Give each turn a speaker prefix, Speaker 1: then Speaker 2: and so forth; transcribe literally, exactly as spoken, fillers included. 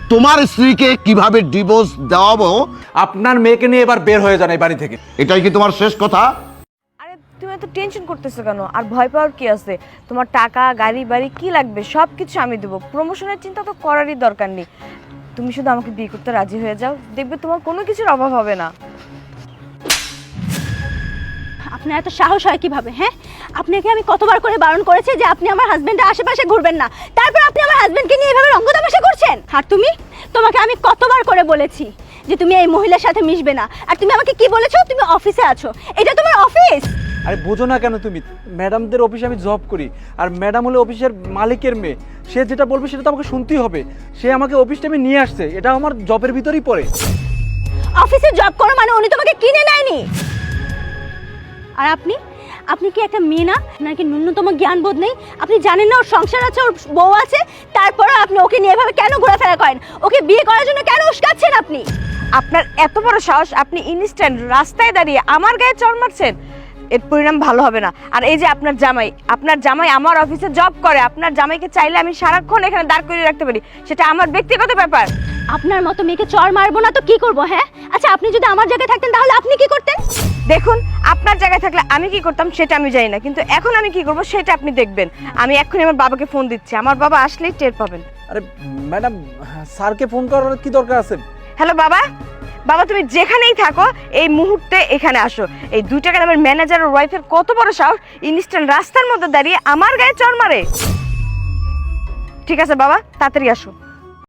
Speaker 1: তোমার স্ত্রীকে কিভাবে ডিভোর্স দেওয়াবো।
Speaker 2: আপনার মেয়েকে নিয়ে এবার বের হয়ে যান এই বাড়ি থেকে।
Speaker 1: এটাই কি তোমার শেষ কথা?
Speaker 3: আরে তুমি এত টেনশন করতেছো কেন? আর ভয় পাওয়ার কি আছে? তোমার টাকা, গাড়ি, বাড়ি কি লাগবে সব কিছু আমি দেবো। প্রমোশনের চিন্তা তো করারই দরকার নেই। তুমি শুধু আমাকে বিয়ে করতে রাজি হয়ে যাও, দেখবে তোমার কোনো কিছুর অভাব হবে না।
Speaker 4: আপনার এত সাহস হয় কিভাবে? হ্যাঁ, আপনাকে আমি কতবার করে বারণ করেছি যে আপনি আমার হাজবেন্ডের আশেপাশে ঘুরবেন না, তারপর আপনি আমার হাজবেন্ডকে নিয়ে এভাবে রঙ্গ তামাশা করছেন। আর তুমি, তোমাকে আমি কতবার করে বলেছি যে তুমি এই মহিলার সাথে মিশবে না, আর তুমি আমাকে কি বলেছো? তুমি অফিসে আছো, এটা তোমার অফিস।
Speaker 2: আরে বোঝো না কেন তুমি? ম্যাডামদের অফিসে আমি জব করি, আর ম্যাডাম হলো অফিসের মালিকের মেয়ে। সে যেটা বলবে সেটা তো আমাকে শুনতেই হবে। সে আমাকে অফিস টাইমে নিয়ে আসছে, এটা আমার জবের ভিতরেই পড়ে।
Speaker 4: অফিসে জব করো মানে উনি তোমাকে কিনে নেয়নি। আর আপনি আপনি কি একটা মেয়ে না? নাকি ন্যূনতম জ্ঞান বোধ নেই? আপনি জানেন না ওর সংসার আছে, ওর বউ আছে, তারপরে আপনি ওকে নিয়ে এভাবে কেন ঘোরাফেরা করেন? ওকে বিয়ে করার জন্য কেন উস্কাচ্ছেন আপনি?
Speaker 3: আপনার এত বড় সাহস, আপনি ইনস্ট্যান্ট রাস্তায় দাঁড়িয়ে আমার গায়ে চড় মারছেন। এর পরিণাম ভালো হবে না। আর এই যে আপনার জামাই, আপনার জামাই আমার অফিসে জব করে। আপনার জামাইকে চাইলে আমি সারাক্ষণ এখানে দাঁড় করিয়ে রাখতে পারি, সেটা আমার ব্যক্তিগত ব্যাপার।
Speaker 4: আপনার মতো মেয়েকে চড় মারবো না তো কি করবো? হ্যাঁ, আচ্ছা আপনি যদি আমার জায়গায় থাকতেন তাহলে আপনি কি করতেন?
Speaker 3: দেখুন, আপনার জায়গায় থাকলে আমি কি করতাম সেটা আমি জানি না, কিন্তু এখন আমি কি করব সেটা আপনি দেখবেন। আমি এক্ষুনি আমার বাবাকে ফোন দিচ্ছি, আমার বাবা আসলেই টের পাবেন।
Speaker 2: আরে ম্যাডাম, স্যারকে ফোন করার কি দরকার আছে?
Speaker 3: হ্যালো বাবা, বাবা তুমি যেখানেই থাকো এই মুহূর্তে এখানে আসো। এই দুই টাকা নামের ম্যানেজার ওর ওয়াইফের কত বড় সাহস, ইনস্ট্যান্ট রাস্তার মধ্যে দাঁড়িয়ে আমার গায়ে চড় মারে। ঠিক আছে বাবা, তাড়াতাড়ি আসো।